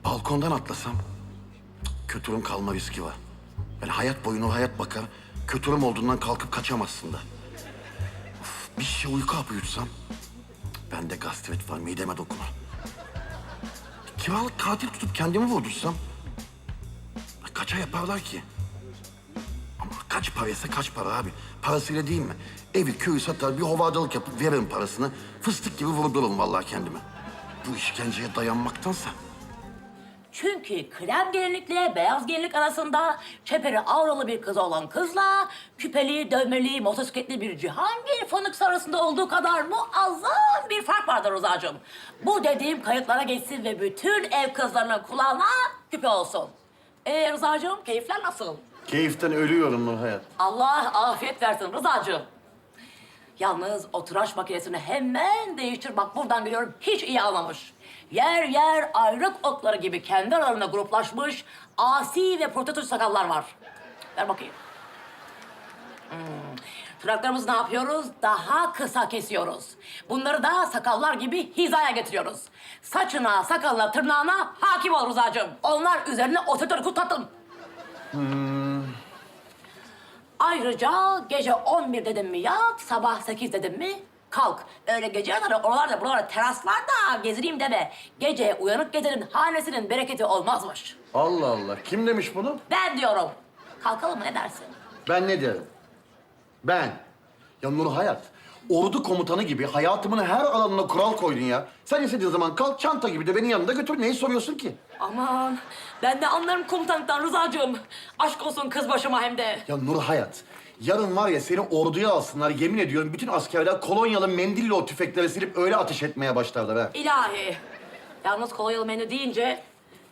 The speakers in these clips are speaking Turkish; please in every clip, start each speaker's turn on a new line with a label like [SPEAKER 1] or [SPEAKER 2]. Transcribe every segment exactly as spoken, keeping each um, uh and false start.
[SPEAKER 1] Balkondan atlasam kötürüm kalma riski var. Yani hayat boyunu o hayat bakar. Kötürüm olduğundan kalkıp kaçamazsın da. Of, bir şişe uyku hapı yutsam bende gastrit var, mideme dokunur. Kiralık katil tutup kendimi vurdursam kaça yaparlar ki? Ama kaç paraysa kaç para abi. Parasıyla değil mi? Evi, köyü satar, bir hovadalık yapıp veririm parasını. Fıstık gibi vurdururum vallahi kendime. Bu işkenceye dayanmaktansa.
[SPEAKER 2] Çünkü krem gelinlikle beyaz gelinlik arasında çeperi avralı bir kız olan kızla küpeli, dövmeli, motosikletli bir Cihangir fındıksı arasında olduğu kadar muazzam bir fark vardır Rıza'cığım. Bu dediğim kayıtlara geçsin ve bütün ev kızlarının kulağına küpe olsun. Ee Rıza'cığım, keyifler nasıl?
[SPEAKER 1] Keyiften ölüyorum Nur Hayat.
[SPEAKER 2] Allah afiyet versin Rıza'cığım. Yalnız o tıraş makinesini hemen değiştir. Bak buradan görüyorum, hiç iyi almamış. Yer yer ayrık otları gibi kendi aralarında gruplaşmış asi ve prototip sakallar var. Ver bakayım. Hmm. Tırnaklarımızı ne yapıyoruz? Daha kısa kesiyoruz. Bunları da sakallar gibi hizaya getiriyoruz. Saçına, sakalına, tırnağına hakim ol Rıza'cığım. Onlar üzerine otoriter kutlatın.
[SPEAKER 1] Hmm.
[SPEAKER 2] Ayrıca gece on bir dedim mi yat, sabah sekiz dedim mi kalk. Öyle gece yarıları oralarda buralarda teraslarda gezineyim deme. Gece uyanık gecenin hanesinin bereketi olmazmış.
[SPEAKER 1] Allah Allah. Kim demiş bunu?
[SPEAKER 2] Ben diyorum. Kalkalım mı, ne dersin?
[SPEAKER 1] Ben ne derim? Ben. Ya Nur Hayat, ordu komutanı gibi hayatımın her alanına kural koydun ya. Sen istediğin zaman kalk, çanta gibi de beni yanında götür. Neyi soruyorsun ki?
[SPEAKER 2] Aman ben de anlarım komutanlıktan Rıza'cığım. Aşk olsun kız başıma hem de.
[SPEAKER 1] Ya Nur Hayat, yarın var ya seni orduya alsınlar. Yemin ediyorum bütün askerler kolonyalı mendille o tüfekleri silip öyle ateş etmeye başlarlar ha.
[SPEAKER 2] İlahi. Yalnız kolonyalı menü deyince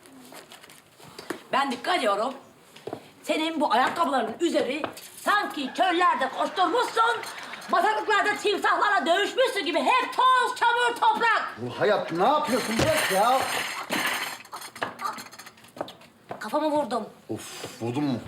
[SPEAKER 2] ben dikkat ediyorum. Senin bu ayakkabılarının üzeri sanki çöllerde koşturmuşsun, bataklıklarda timsahlarla dövüşmüşsün gibi hep toz, çamur, toprak.
[SPEAKER 1] Nur Hayat ne yapıyorsun? Bırak ya.
[SPEAKER 2] Kafamı vurdum.
[SPEAKER 1] Of, vurdun mu?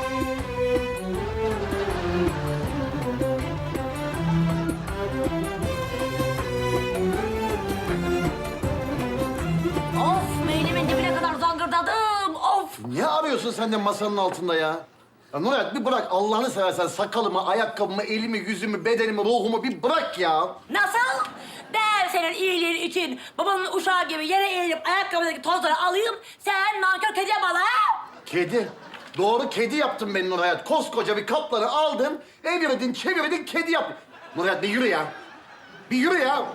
[SPEAKER 2] Of, meylimin dibine kadar zangırdadım, of.
[SPEAKER 1] Niye arıyorsun sen de masanın altında ya? Ya Nur Hayat bir bırak Allah'ını seversen sakalımı, ayakkabımı, elimi, yüzümü, bedenimi, ruhumu bir bırak ya.
[SPEAKER 2] Nasıl? Ben senin iyiliğin için babanın uşağı gibi yere eğilip ayakkabıdaki tozları alayım, sen nankör kediye bana ha?
[SPEAKER 1] Kedi. Doğru kedi yaptın beni Nur Hayat. Koskoca bir kaplanı aldın, evirdin, çevirdin, kedi yaptın. Nur Hayat bir yürü ya. Bir yürü ya.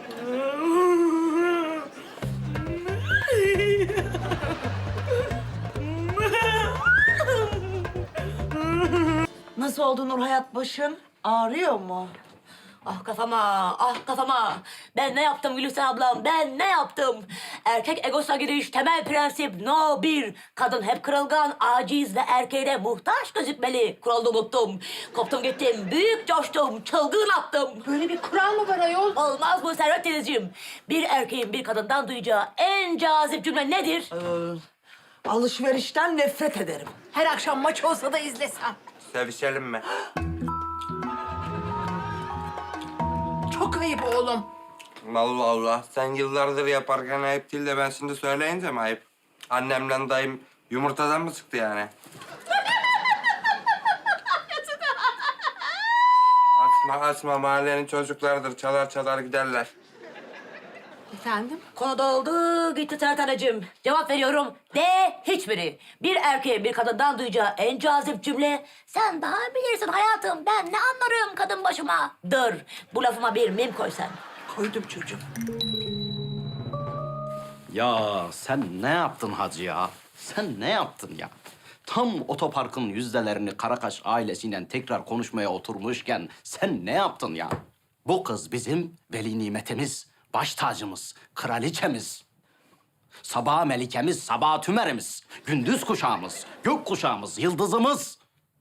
[SPEAKER 3] Nasıl oldu Nur Hayat başın? Ağrıyor mu?
[SPEAKER 2] Ah kafama, ah kafama. Ben ne yaptım Gülüsten ablam, ben ne yaptım? Erkek egosuna giriş temel prensip no bir. Kadın hep kırılgan, aciz ve erkeğe muhtaç gözükmeli. Kuralı unuttum. Koptum gittim, büyük coştum, çılgın attım.
[SPEAKER 3] Böyle bir kural mı var ayol?
[SPEAKER 2] Olmaz mı Servet teyzeciğim? Bir erkeğin bir kadından duyacağı en cazip cümle nedir?
[SPEAKER 3] Ee, alışverişten nefret ederim. Her akşam maç olsa da izlesem.
[SPEAKER 4] Sevişelim mi?
[SPEAKER 3] Çok ayıp oğlum.
[SPEAKER 4] Allah Allah. Sen yıllardır yaparken ayıp değil de ben şimdi söyleyince mi ayıp? Annemle dayım yumurtadan mı çıktı yani? Açma açma, mahallenin çocuklarıdır. Çalar çalar giderler.
[SPEAKER 3] Efendim?
[SPEAKER 2] Konu doldu, gitti Sertaneciğim. Cevap veriyorum. De hiçbiri. Bir erkeğin bir kadından duyacağı en cazip cümle... Sen daha bilirsin hayatım, ben ne anlarım kadın başıma. Dur, bu lafıma bir mim koy sen.
[SPEAKER 3] Koydum çocuğum.
[SPEAKER 5] Ya sen ne yaptın hacı ya? Sen ne yaptın ya? Tam otoparkın yüzdelerini Karakaş ailesiyle tekrar konuşmaya oturmuşken sen ne yaptın ya? Bu kız bizim veli nimetimiz, baş tacımız, kraliçemiz. Sabah melikemiz, sabah tümerimiz, gündüz kuşağımız, gök kuşağımız, yıldızımız.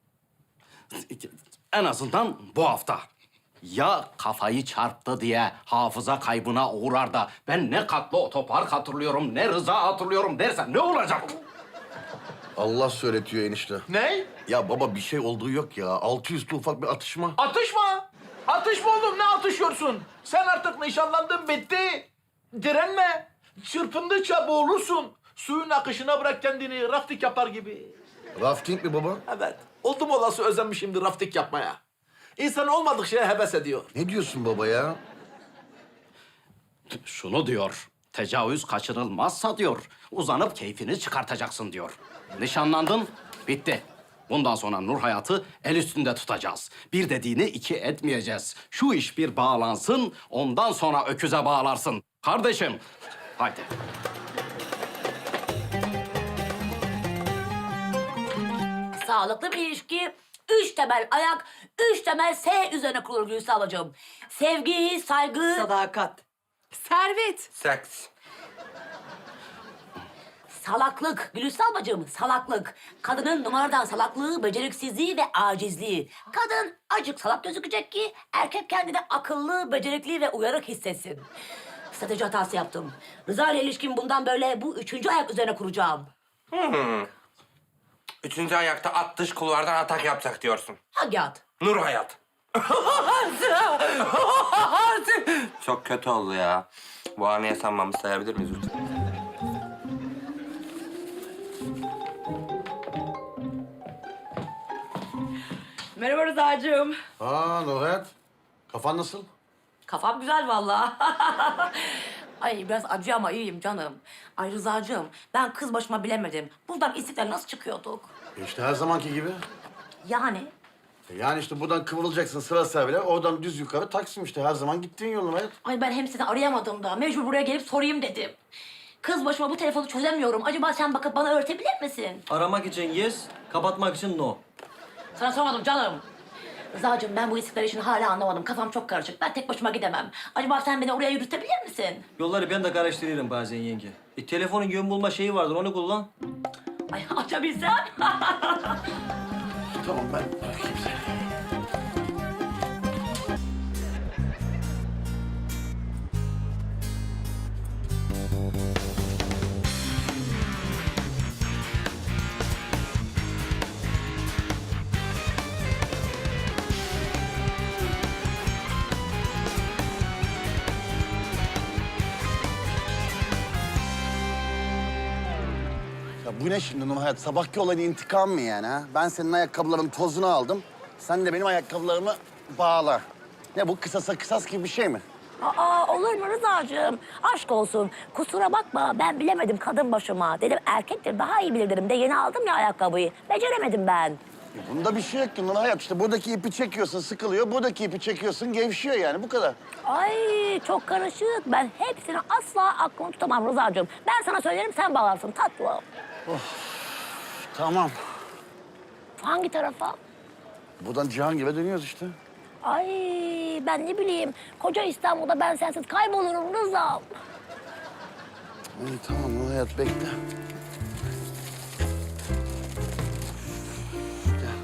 [SPEAKER 5] En azından bu hafta. Ya kafayı çarptı diye hafıza kaybına uğrar da ben ne katlı otopark hatırlıyorum, ne Rıza hatırlıyorum dersen ne olacak?
[SPEAKER 1] Allah söyletiyor enişte.
[SPEAKER 6] Ne?
[SPEAKER 1] Ya baba bir şey olduğu yok ya. Altı üstü ufak bir atışma.
[SPEAKER 6] Atışma. Atışma oğlum, ne atışıyorsun? Sen artık nişanlandın, bitti. Direnme. Çırpındıkça boğulursun. Suyun akışına bırak kendini, rafting yapar gibi.
[SPEAKER 1] Rafting mi baba?
[SPEAKER 6] Evet, oldum olası özenmişimdir rafting yapmaya. İnsan olmadık şeye heves ediyor.
[SPEAKER 1] Ne diyorsun baba ya?
[SPEAKER 5] Şunu diyor. Tecavüz kaçınılmazsa diyor. Uzanıp keyfini çıkartacaksın diyor. Nişanlandın, bitti. Bundan sonra Nur Hayat'ı el üstünde tutacağız. Bir dediğini iki etmeyeceğiz. Şu iş bir bağlansın, ondan sonra öküze bağlarsın. Kardeşim, haydi.
[SPEAKER 2] Sağlıklı bir ilişki, üç temel ayak, üç temel S üzerine kurulur Gülsü ablacığım. Sevgi, saygı...
[SPEAKER 3] Sadakat. Servet.
[SPEAKER 4] Seks.
[SPEAKER 2] Salaklık Gülüstü ablacığım, salaklık. Kadının numaradan salaklığı, beceriksizliği ve acizliği. Kadın acık salak gözükecek ki erkek kendini akıllı, becerikli ve uyarık hissetsin. Strateji hatası yaptım. Rıza ile ilişkim bundan böyle bu üçüncü ayak üzerine kuracağım.
[SPEAKER 4] Üçüncü ayakta at dış kulvardan atak yapacak diyorsun.
[SPEAKER 2] Hangi at?
[SPEAKER 4] Nur Hayat. Çok kötü oldu ya. Bu anı yaşanmamı sayabilir miyiz lütfen?
[SPEAKER 2] Merhaba Rıza'cığım.
[SPEAKER 1] Aa Nurhayat. Kafan nasıl?
[SPEAKER 2] Kafam güzel vallahi. Ay biraz acı ama iyiyim canım. Ay Rıza'cığım ben kız başıma bilemedim. Buradan İstiklal nasıl çıkıyorduk?
[SPEAKER 1] İşte her zamanki gibi.
[SPEAKER 2] Yani
[SPEAKER 1] Yani işte buradan kıvrılacaksın sıra servile, oradan düz yukarı Taksim işte. Her zaman gittiğin yol Nurhayat.
[SPEAKER 2] ay ben hem seni arayamadım da mecbur buraya gelip sorayım dedim. Kız başıma bu telefonu çözemiyorum. Acaba sen bakıp bana öğretebilir misin?
[SPEAKER 7] Aramak için yes, kapatmak için no.
[SPEAKER 2] Sana sormadım canım. Rıza'cığım ben bu İstiklal işini hala anlamadım. Kafam çok karışık. Ben tek başıma gidemem. Acaba sen beni oraya yürütebilir misin?
[SPEAKER 7] Yolları ben de karıştırıyorum bazen yenge. E, telefonun yön bulma şeyi vardır, onu kullan.
[SPEAKER 2] Ay açabilsem.
[SPEAKER 1] Tamam ben bırakayım seni. Ya bu ne şimdi Nurhayat? Sabahki olayın intikam mı yani ha? Ben senin ayakkabıların tozunu aldım. Sen de benim ayakkabılarımı bağla. Ne bu kısasa kısas gibi bir şey mi?
[SPEAKER 2] Aa olur mu Rıza'cığım? Aşk olsun. Kusura bakma ben bilemedim kadın başıma. Dedim erkektir daha iyi bilir dedim de yeni aldım ya ayakkabıyı. Beceremedim ben.
[SPEAKER 1] E bunda bir şey yok ki Nurhayat. İşte buradaki ipi çekiyorsun sıkılıyor. Buradaki ipi çekiyorsun gevşiyor yani bu kadar.
[SPEAKER 2] Ay çok karışık. Ben hepsini asla aklımı tutamam Rıza'cığım. Ben sana söylerim sen bağlarsın tatlım.
[SPEAKER 1] Tamam.
[SPEAKER 2] Hangi tarafa?
[SPEAKER 1] Buradan Cihangir'e dönüyoruz işte.
[SPEAKER 2] Ay ben ne bileyim. Koca İstanbul'da ben sensiz kaybolurum Rıza'm.
[SPEAKER 1] İyi tamam Nurhayat bekle. Gel.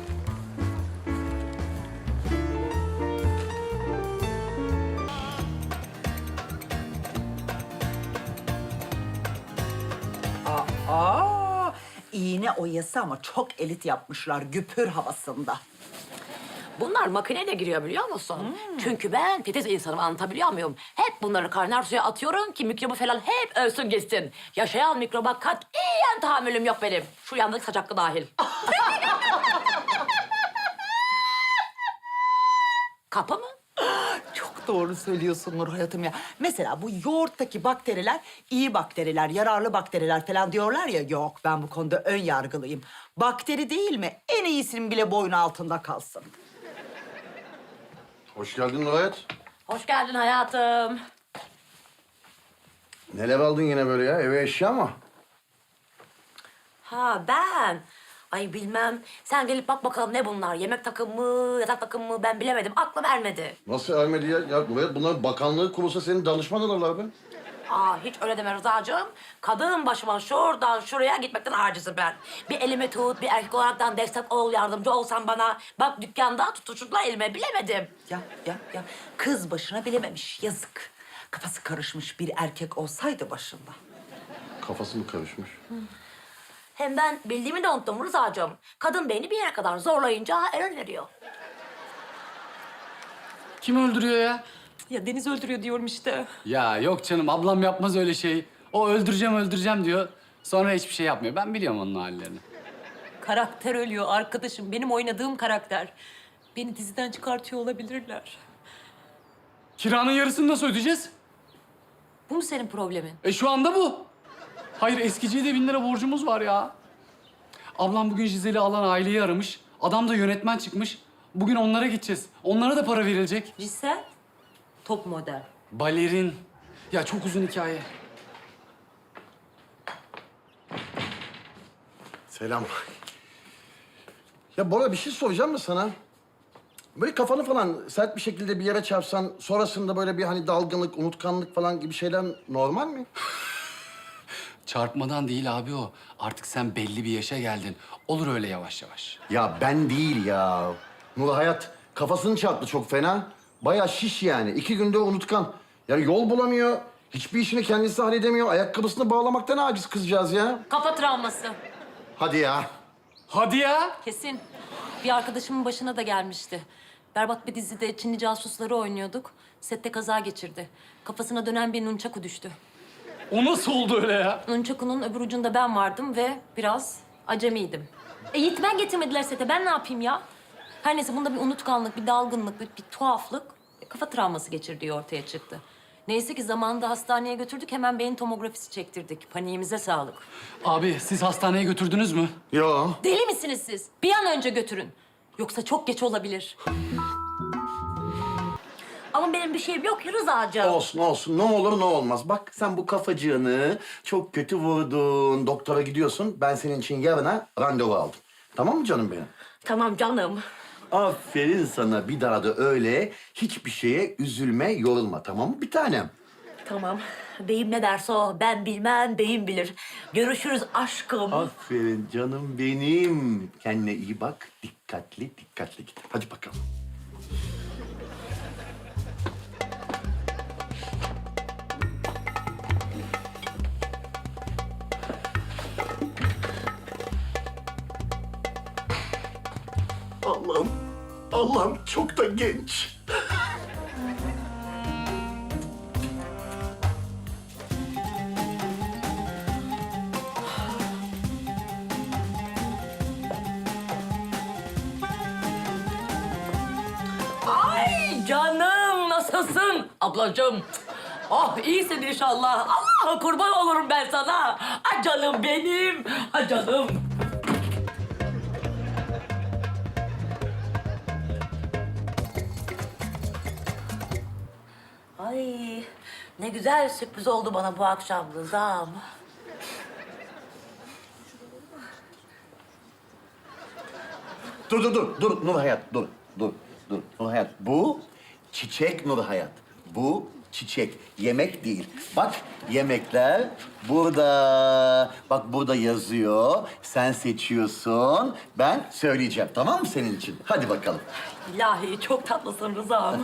[SPEAKER 3] Aa, iğne oyası ama çok elit yapmışlar güpür havasında.
[SPEAKER 2] Bunlar makineyle giriyor biliyor musun? Çünkü ben titiz insanım anlatabiliyor muyum? Hep bunları kaynar suya atıyorum ki mikrobu falan hep ölsün gitsin. Yaşayan mikroba katiyen tahammülüm yok benim. Şu yandaki saç hakkı dahil. Kapı mı?
[SPEAKER 3] Çok doğru söylüyorsun Nur hayatım ya. Mesela bu yoğurttaki bakteriler iyi bakteriler, yararlı bakteriler falan diyorlar ya. Yok ben bu konuda ön yargılıyım. Bakteri değil mi? En iyisinin bile boynu altında kalsın.
[SPEAKER 1] Hoş geldin Nurhayat.
[SPEAKER 2] Hoş geldin hayatım.
[SPEAKER 1] Neler aldın yine böyle ya? Eve eşya mı?
[SPEAKER 2] Ha ben. Ay bilmem. Sen gelip bak bakalım ne bunlar? Yemek takımı mı, yatak takımı mı ben bilemedim. Aklım ermedi.
[SPEAKER 1] Nasıl ermedi ya? Ya Nurhayat bunlar bakanlığı kurulsa senin danışman olurlar be.
[SPEAKER 2] Aa hiç öyle deme Rıza'cığım. Kadın başıma şuradan şuraya gitmekten acizim ben. Bir elimi tut, bir erkek olaraktan destek ol, yardımcı olsan bana. Bak dükkanda tutuşturdular elime, bilemedim.
[SPEAKER 3] Ya ya ya kız başına bilememiş yazık. Kafası karışmış bir erkek olsaydı başında.
[SPEAKER 1] Kafası mı karışmış?
[SPEAKER 2] Hem ben bildiğimi de unuttum Rıza'cığım. Kadın beyni bir yere kadar zorlayınca error veriyor.
[SPEAKER 8] Kim öldürüyor ya?
[SPEAKER 3] Ya Deniz öldürüyor diyorum işte.
[SPEAKER 8] Ya yok canım ablam yapmaz öyle şey. O öldüreceğim öldüreceğim diyor. Sonra hiçbir şey yapmıyor. Ben biliyorum onun hallerini.
[SPEAKER 9] Karakter ölüyor arkadaşım. Benim oynadığım karakter. Beni diziden çıkartıyor olabilirler.
[SPEAKER 8] Kiranın yarısını nasıl ödeyeceğiz?
[SPEAKER 9] Bu mu senin problemin?
[SPEAKER 8] E şu anda bu. Hayır, eskiciye de bin lira borcumuz var ya. Ablam bugün Jizel'i alan aileyi aramış. Adam da yönetmen çıkmış. Bugün onlara gideceğiz. Onlara da para verilecek.
[SPEAKER 9] Cisel, top model.
[SPEAKER 8] Balerin. Ya çok uzun hikaye.
[SPEAKER 1] Selam. Ya Bora bir şey soracağım mı sana? Böyle kafanı falan sert bir şekilde bir yere çarpsan... sonrasında böyle bir hani dalgınlık, unutkanlık falan gibi şeyler normal mi?
[SPEAKER 8] Çarpmadan değil abi o. Artık sen belli bir yaşa geldin. Olur öyle yavaş yavaş.
[SPEAKER 1] Ya ben değil ya. Nur Hayat kafasını çarptı çok fena. Bayağı şiş yani. İki günde unutkan. Yani yol bulamıyor. Hiçbir işini kendisi halledemiyor. Ayakkabısını bağlamaktan aciz kızcağız ya.
[SPEAKER 9] Kafa travması.
[SPEAKER 1] Hadi ya.
[SPEAKER 8] Hadi ya.
[SPEAKER 9] Kesin. Bir arkadaşımın başına da gelmişti. Berbat bir dizide Çinli casusları oynuyorduk. Sette kaza geçirdi. Kafasına dönen bir nunchaku düştü.
[SPEAKER 8] O nasıl oldu öyle ya?
[SPEAKER 9] Nunchaku'nun öbür ucunda ben vardım ve biraz acemiydim. E Yiğitmen getirmediler sete. Ben ne yapayım ya? Her neyse bunda bir unutkanlık, bir dalgınlık, bir, bir tuhaflık, e, kafa travması geçirdiği ortaya çıktı. Neyse ki zamanında hastaneye götürdük. Hemen beyin tomografisi çektirdik. Paniğimize sağlık.
[SPEAKER 8] Abi siz hastaneye götürdünüz mü?
[SPEAKER 1] Yo.
[SPEAKER 9] Deli misiniz siz? Bir an önce götürün. Yoksa çok geç olabilir.
[SPEAKER 2] Ama benim bir şeyim yok ki Rıza'cığım.
[SPEAKER 1] Olsun olsun. Ne olur ne olmaz. Bak sen bu kafacığını çok kötü vurdun. Doktora gidiyorsun. Ben senin için yarına randevu aldım. Tamam mı canım benim?
[SPEAKER 2] Tamam canım.
[SPEAKER 1] Aferin sana. Bir daha da öyle hiçbir şeye üzülme, yorulma. Tamam mı bir tanem?
[SPEAKER 2] Tamam. Beyim ne derse o. Ben bilmem, beyim bilir. Görüşürüz aşkım.
[SPEAKER 1] Aferin canım benim. Kendine iyi bak. Dikkatli, dikkatli git. Hadi bakalım. Allah'ım, Allah'ım çok da genç.
[SPEAKER 2] Ay canım nasılsın ablacığım? Oh iyisin inşallah. Allah kurban olurum ben sana. Ay canım benim. Ay canım. Ay ne güzel sürpriz oldu bana bu akşam Rıza'm.
[SPEAKER 1] Dur, dur, dur, dur Nur Hayat, dur, dur, dur. Nur Hayat, bu çiçek Nur Hayat. Bu çiçek, yemek değil. Bak yemekler burada. Bak burada yazıyor. Sen seçiyorsun. Ben söyleyeceğim, tamam mı senin için? Hadi bakalım.
[SPEAKER 2] İlahi çok tatlısın Rıza'm.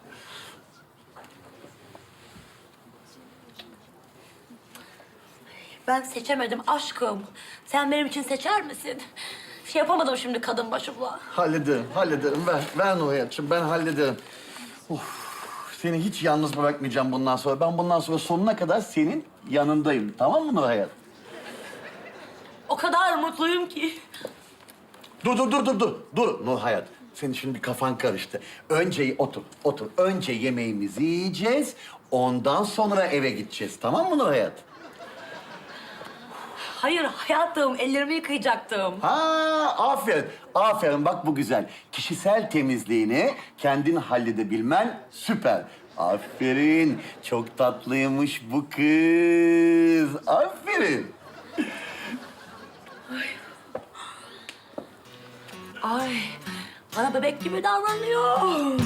[SPEAKER 2] Ben seçemedim aşkım. Sen benim için seçer misin? Şey yapamadım şimdi kadın başımla.
[SPEAKER 1] Hallederim, hallederim. Ver, ver Nur Hayat'cığım, ben hallederim. Of, seni hiç yalnız bırakmayacağım bundan sonra. Ben bundan sonra sonuna kadar senin yanındayım. Tamam mı Nur Hayat?
[SPEAKER 2] O kadar mutluyum ki.
[SPEAKER 1] Dur, dur, dur, dur, dur. Dur Nur Hayat. Senin şimdi kafan karıştı. Önce otur, otur. Önce yemeğimizi yiyeceğiz. Ondan sonra eve gideceğiz. Tamam mı Nur Hayat?
[SPEAKER 2] Hayır hayatım, ellerimi yıkayacaktım.
[SPEAKER 1] Ha, aferin. Aferin, bak bu güzel. Kişisel temizliğini kendin halledebilmen süper. Aferin. Çok tatlıymış bu kız. Aferin.
[SPEAKER 2] Ay, bana bebek gibi davranıyor.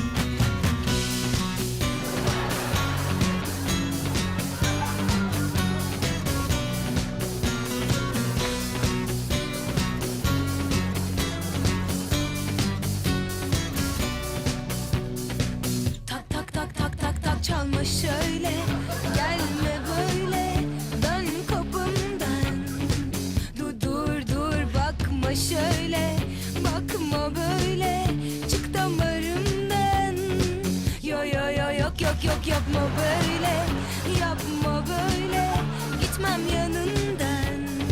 [SPEAKER 10] Tak tak tak tak tak tak çalma şöyle. Gelme böyle, dön kapımdan. Dur dur dur bakma şöyle. Bakma böyle, çık damarımdan. Yo yo yo yok yok yok yapma böyle. Yapma böyle, gitmem yanından.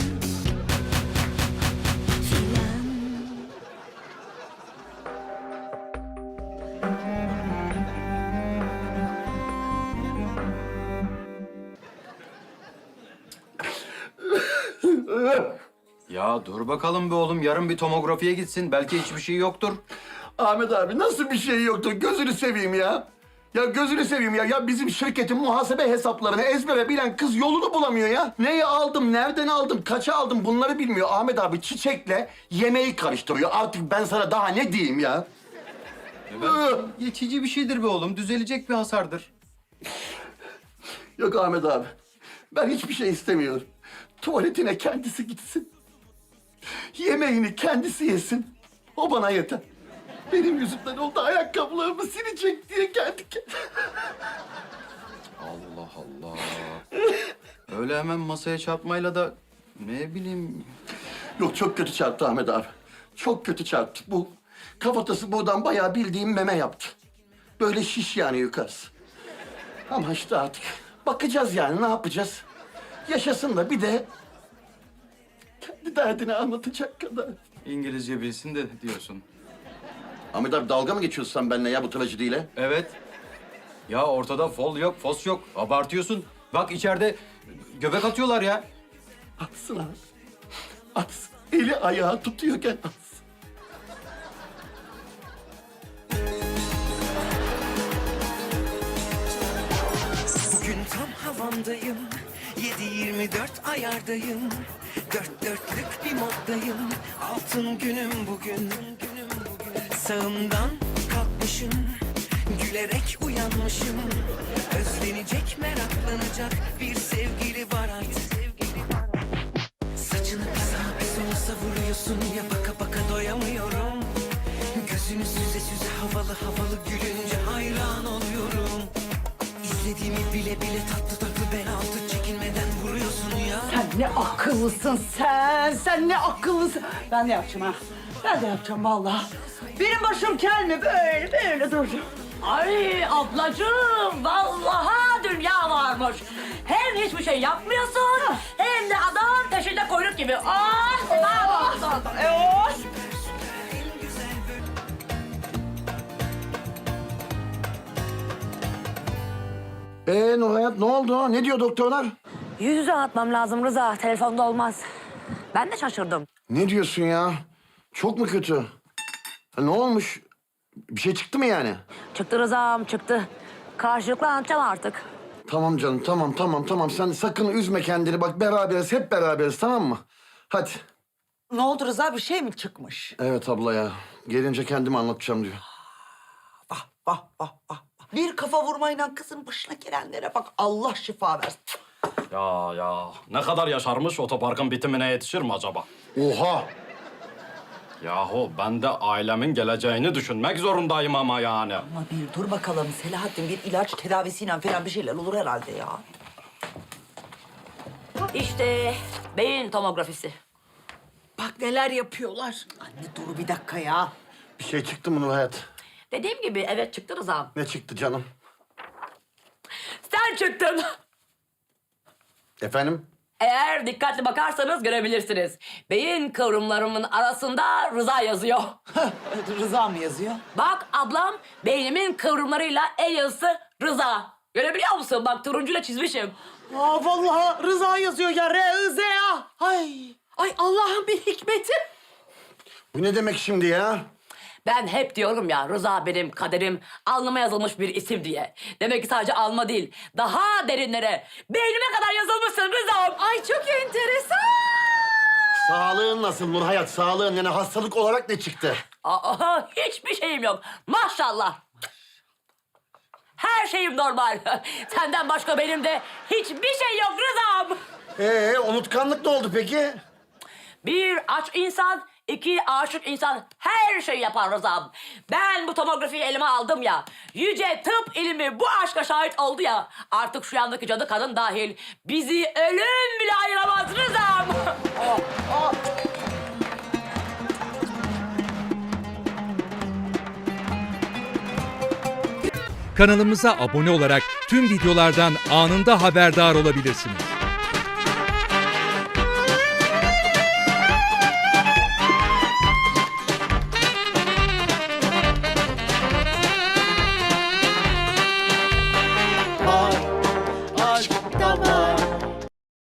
[SPEAKER 11] Ya dur bakalım be oğlum. Yarın bir tomografiye gitsin. Belki hiçbir şey yoktur.
[SPEAKER 1] Ahmet abi nasıl bir şey yoktur? Gözünü seveyim ya. Ya gözünü seveyim ya. Ya bizim şirketin muhasebe hesaplarını ezbere bilen kız yolunu bulamıyor ya. Neyi aldım, nereden aldım, kaça aldım bunları bilmiyor. Ahmet abi çiçekle yemeği karıştırıyor. Artık ben sana daha ne diyeyim ya?
[SPEAKER 11] Geçici bir şeydir be oğlum. Düzelecek bir hasardır.
[SPEAKER 1] Yok Ahmet abi. Ben hiçbir şey istemiyorum. Tuvaletine kendisi gitsin. Yemeğini kendisi yesin. O bana yeter. Benim yüzümden oldu ayakkabılarımı silecek diye geldik.
[SPEAKER 11] Allah Allah. Öyle hemen masaya çarpmayla da ne bileyim.
[SPEAKER 1] Yok çok kötü çarptı Ahmet abi. Çok kötü çarptı. Bu kafatası buradan bayağı bildiğim meme yaptı. Böyle şiş yani yukarısı. Ama işte artık bakacağız yani ne yapacağız? Yaşasın da bir de kendi derdini anlatacak kadar.
[SPEAKER 11] İngilizce bilsin de diyorsun.
[SPEAKER 1] Ahmet abi dalga mı geçiyorsun sen benimle ya bu trajediyle?
[SPEAKER 11] Evet. Ya ortada fol yok, fos yok. Abartıyorsun. Bak içeride göbek atıyorlar ya.
[SPEAKER 1] Atsın abi. Atsın. Eli ayağı tutuyorken atsın.
[SPEAKER 12] Bugün tam havamdayım. yedi yirmi dört ayardayım. Dört dörtlük bir moddayım. Altın günüm bugün. Sağımdan kalkmışım. Gülerek uyanmışım. Özlenecek, meraklanacak bir sevgili var artık. Saçını sağa bir sola savuruyorsun ya, baka baka doyamıyorum. Gözünü süze süze havalı havalı gülünce hayran oluyorum. İzlediğimi bile bile tatlı tatlı bel altı çekinmeden vuruyorsun ya.
[SPEAKER 3] Sen ne akıllısın sen. Sen ne akıllısın. Ben de yapacağım ha. Ben de yapacağım vallahi. Benim başım kel mi? Böyle böyle duracağım.
[SPEAKER 2] Ay ablacığım, vallahi dünya varmış. Hem hiçbir şey yapmıyorsun, hem de adam peşinde kuyruk gibi. Ah, ah, ah, ah.
[SPEAKER 1] Ee Nurhayat ne oldu? Ne diyor doktorlar?
[SPEAKER 2] Yüz yüze atmam lazım Rıza, telefonda olmaz. Ben de şaşırdım.
[SPEAKER 1] Ne diyorsun ya? Çok mu kötü? Ha, ne olmuş? Bir şey çıktı mı yani?
[SPEAKER 2] Çıktı Rıza'm, çıktı. Karşılıklı anlatacağım artık.
[SPEAKER 1] Tamam canım, tamam, tamam, tamam. Sen sakın üzme kendini. Bak beraberiz, hep beraberiz, tamam mı? Hadi.
[SPEAKER 3] Ne oldu Rıza? Bir şey mi çıkmış?
[SPEAKER 1] Evet abla ya. Gelince kendime anlatacağım diyor.
[SPEAKER 3] Vah vah vah vah. Bir kafa vurmayla kızın başına gelenlere bak. Allah şifa versin.
[SPEAKER 5] Ya ya ne kadar yaşarmış otoparkın bitimine yetişir mi acaba?
[SPEAKER 1] Oha!
[SPEAKER 5] Yahu ben de ailemin geleceğini düşünmek zorundayım ama yani.
[SPEAKER 3] Ama bir dur bakalım Selahattin, bir ilaç tedavisiyle falan bir şeyler olur herhalde ya.
[SPEAKER 2] İşte beyin tomografisi.
[SPEAKER 3] Bak neler yapıyorlar. Anne dur bir dakika ya.
[SPEAKER 1] Bir şey çıktı mı Nurhayat?
[SPEAKER 2] Dediğim gibi evet çıktı Rıza'm.
[SPEAKER 1] Ne çıktı canım?
[SPEAKER 2] Sen çıktın.
[SPEAKER 1] Efendim?
[SPEAKER 2] Eğer dikkatli bakarsanız görebilirsiniz. Beyin kıvrımlarımın arasında Rıza yazıyor.
[SPEAKER 3] Rıza mı yazıyor?
[SPEAKER 2] Bak ablam, beynimin kıvrımlarıyla el yazısı Rıza. Görebiliyor musun? Bak turuncuyla çizmişim.
[SPEAKER 3] Aa vallahi Rıza yazıyor ya. R-I-Z-A. Ay. Ay Allah'ın bir hikmeti.
[SPEAKER 1] Bu ne demek şimdi ya?
[SPEAKER 2] Ben hep diyorum ya, Rıza benim kaderim, alnıma yazılmış bir isim diye. Demek ki sadece alma değil, daha derinlere, beynime kadar yazılmışsın Rıza'm. Ay çok enteresan.
[SPEAKER 1] Sağlığın nasıl Nurhayat? Sağlığın yani hastalık olarak ne çıktı?
[SPEAKER 2] Aa, hiçbir şeyim yok. Maşallah. Her şeyim normal. Senden başka benim de hiçbir şey yok Rıza'm.
[SPEAKER 1] Ee unutkanlık ne oldu peki?
[SPEAKER 2] Bir aç insan, iki aşık insan her şeyi yapar Rıza'm. Ben bu tomografiyi elime aldım ya, yüce tıp ilmi bu aşka şahit oldu ya, artık şu yandaki cadı kadın dahil bizi ölüm bile ayıramaz Rıza'm. Oh, oh.
[SPEAKER 13] Kanalımıza abone olarak tüm videolardan anında haberdar olabilirsiniz.